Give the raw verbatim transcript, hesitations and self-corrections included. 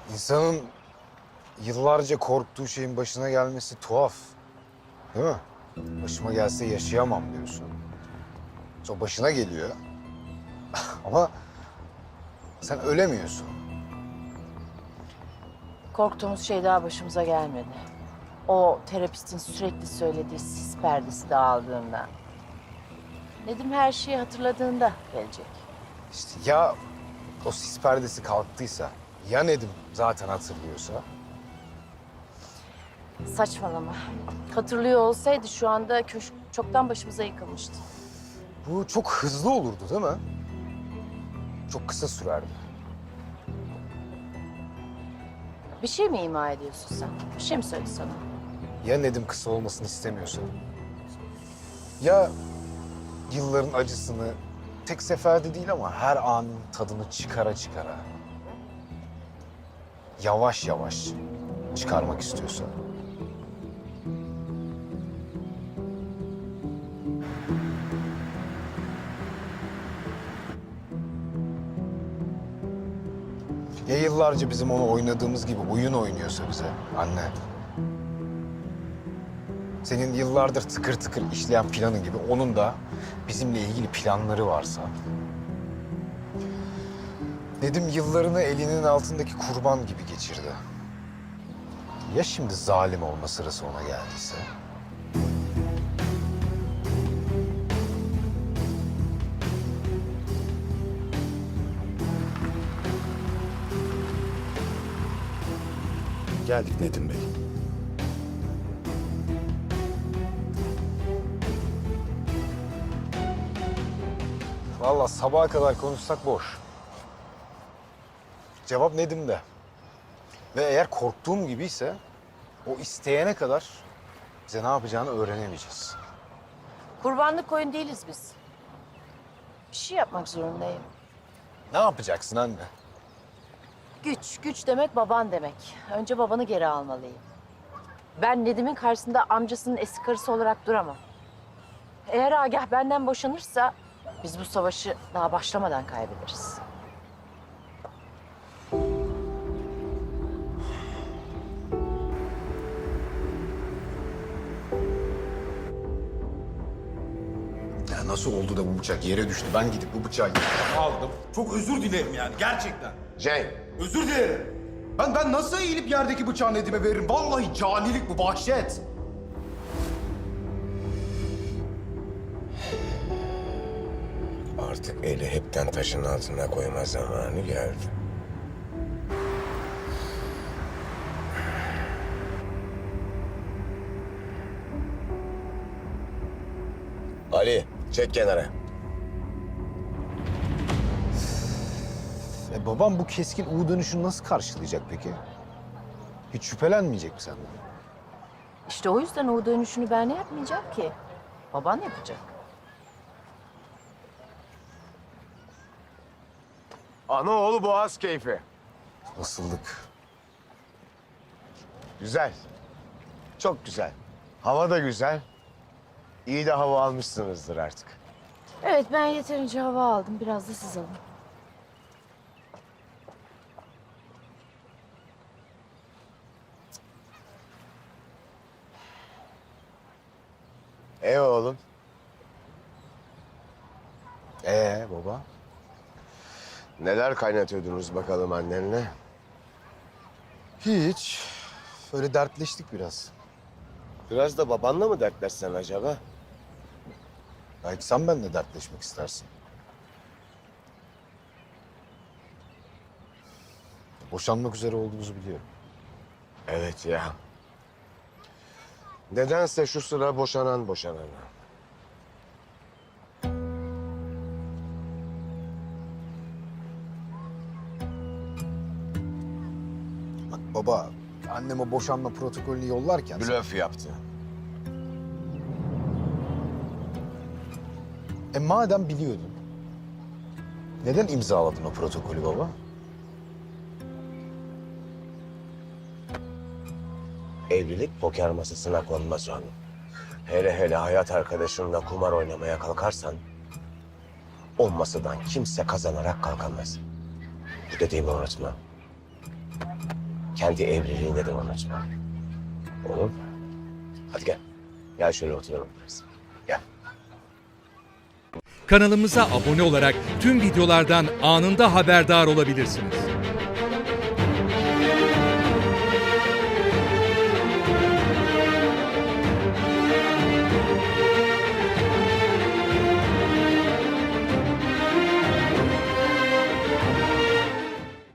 İnsanın yıllarca korktuğu şeyin başına gelmesi tuhaf. Değil mi? Başıma gelse yaşayamam diyorsun. Sonra başına geliyor. Ama sen ölemiyorsun. Korktuğumuz şey daha başımıza gelmedi. O terapistin sürekli söylediği sis perdesi dağıldığında. Nedim her şeyi hatırladığında gelecek. İşte ya o sis perdesi kalktıysa, ya Nedim zaten hatırlıyorsa? Saçmalama. Hatırlıyor olsaydı şu anda köşk çoktan başımıza yıkılmıştı. Bu çok hızlı olurdu değil mi? Çok kısa sürerdi. Bir şey mi ima ediyorsun sen? Bir şey mi söyledi sana? Ya Nedim kısa olmasını istemiyorsa? Ya yılların acısını tek seferde değil ama her anın tadını çıkara çıkara, yavaş yavaş çıkarmak istiyorsa? Ya yıllarca bizim onu oynadığımız gibi oyun oynuyorsa bize anne? Senin yıllardır tıkır tıkır işleyen planın gibi onun da bizimle ilgili planları varsa? Nedim yıllarını elinin altındaki kurban gibi geçirdi. Ya şimdi zalim olma sırası ona geldiyse? Geldik Nedim Bey. Vallahi sabaha kadar konuşsak boş. Cevap Nedim'de. Ve eğer korktuğum gibiyse o isteyene kadar bize ne yapacağını öğrenemeyeceğiz. Kurbanlık koyun değiliz biz. Bir şey yapmak zorundayım. Ne yapacaksın anne? Güç, güç demek baban demek. Önce babanı geri almalıyım. Ben Nedim'in karşısında amcasının eski karısı olarak duramam. Eğer Agah benden boşanırsa biz bu savaşı daha başlamadan kaybederiz. Ya nasıl oldu da bu bıçak yere düştü? Ben gidip bu bıçağı aldım. Çok özür dilerim yani gerçekten. Cenk. Özür dilerim. Ben ben nasıl eğilip yerdeki bıçağı Nedim'e veririm? Vallahi canilik bu, vahşet. Artık eli hepten taşın altına koyma zamanı geldi. Ali, çek kenara. E babam bu keskin U dönüşünü nasıl karşılayacak peki? Hiç şüphelenmeyecek mi senden? İşte o yüzden o dönüşünü ben yapmayacağım ki. Baban yapacak. Anaoğlu boğaz keyfi. Nasıldık? Güzel. Çok güzel. Hava da güzel. İyi de hava almışsınızdır artık. Evet, ben yeterince hava aldım. Biraz da siz alın. E oğlum. Ee baba? Neler kaynatıyordunuz bakalım annenle? Hiç. Öyle dertleştik biraz. Biraz da babanla mı dertleşsen acaba? Belki sen benimle dertleşmek istersin. Boşanmak üzere olduğumuzu biliyorum. Evet ya. Nedense şu sıra boşanan boşanana. Bak baba, annem o boşanma protokolünü yollarken... Blöf yaptı. E madem biliyordun, neden imzaladın o protokolü baba? Evlilik poker masasına konmaz oğlum. Hele hele hayat arkadaşınla kumar oynamaya kalkarsan... ...o masadan kimse kazanarak kalkamaz. Bu dediğimi unutma. kendi evliliğinde de unutma. Olur mu? Hadi gel. Gel şöyle oturalım biraz. Gel. Kanalımıza abone olarak tüm videolardan anında haberdar olabilirsiniz.